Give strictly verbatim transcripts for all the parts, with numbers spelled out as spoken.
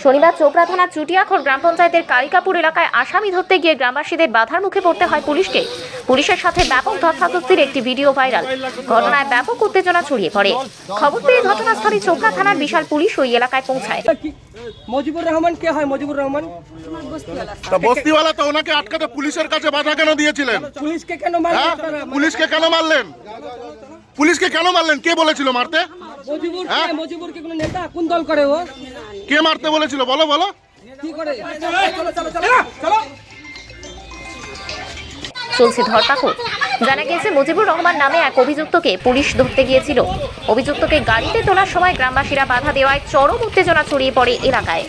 শনিবার চোপড়া থানার চুটিয়াখড় গ্রাম পঞ্চায়েতের কালিকাপুর এলাকায় আসামি ধরতে গিয়ে গ্রামবাসীদের বাধার মুখে পড়তে হয় পুলিশকে। পুলিশের সাথে ব্যাপক ধস্তাধস্তির একটি ভিডিও ভাইরাল। ঘটনায় ব্যাপক উত্তেজনা ছড়িয়ে পড়ে। খবর পেয়ে ঘটনাস্থলে চোপড়া থানার বিশাল পুলিশ ওই এলাকায় পৌঁছায়। মজিবুর রহমান কে হয়? মজিবুর রহমান তা বস্তিওয়ালা তো ওনাকে আটকাতে পুলিশের কাছে বাধা কেন দিয়েছিলেন? পুলিশকে কেন মারলেন? পুলিশকে কেন মারলেন? পুলিশকে কেন মারলেন? কে বলেছিল মারতে? মজিবুর কে? মজিবুর কি কোনো নেতা? কোন দল করে ও? কে মারতে বলেছিল? বলো বলো কি করে? চলো চলো চলো চলো। চলছে ধরপাকড়। জানা গিয়েছে মজিবুর রহমান নামে এক অভিযুক্তকে পুলিশ ধরতে গিয়েছিল। অভিযুক্তকে গাড়িতে তোলার সময় গ্রামবাসীরা বাধা দেওয়ায় চরম উত্তেজনা ছড়িয়ে পড়ে এলাকায়।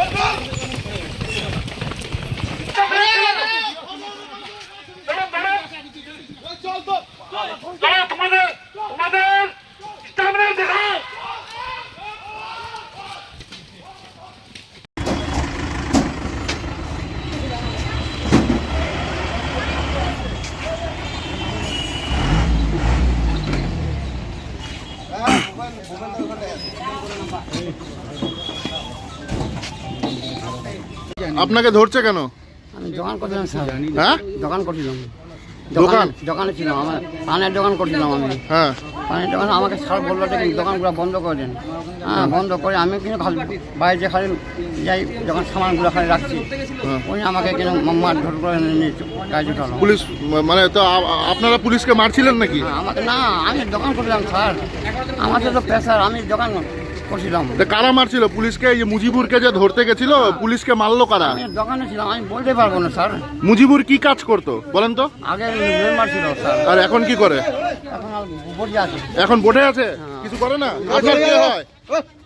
আপনাকে ধরছে কেন? আমি দোকান করছিলাম স্যার। হ্যাঁ, দোকান করছিলাম। দোকান? দোকানে ছিলাম, আমার পানের দোকান করছিলাম আমি। হ্যাঁ, পানের দোকান আমাকে স্যার বললো যে দোকানগুলো বন্ধ করে দেন। হ্যাঁ, বন্ধ করে আমি কিন্তু খালি বাইরে খালি যাই, যখন সামানগুলো খালি রাখছি উনি আমাকে কিন্তু মারধর করে নিয়ে গাড়ি উঠালো। পুলিশ মানে তো আ- আপনারা পুলিশকে মারছিলেন নাকি? হ্যাঁ, আমাকে না, আমি দোকান করছিলাম স্যার, আমাকে তো পেশার, আমি দোকান করছিলাম। তা কারা মারছিল পুলিশকে? এই যে মুজিবুরকে যে ধরতে গেছিল, পুলিশকে মারলো কারা? আমি দোকানে ছিলাম, আমি বলতে পারবো না স্যার। মুজিবুর কি কাজ করতো বলেন তো? আগে মেম্বার ছিল স্যার, আর এখন কি করে? এখন আর বসে আছে। এখন বসে আছে, কিছু করে না। আপনার কে হয়?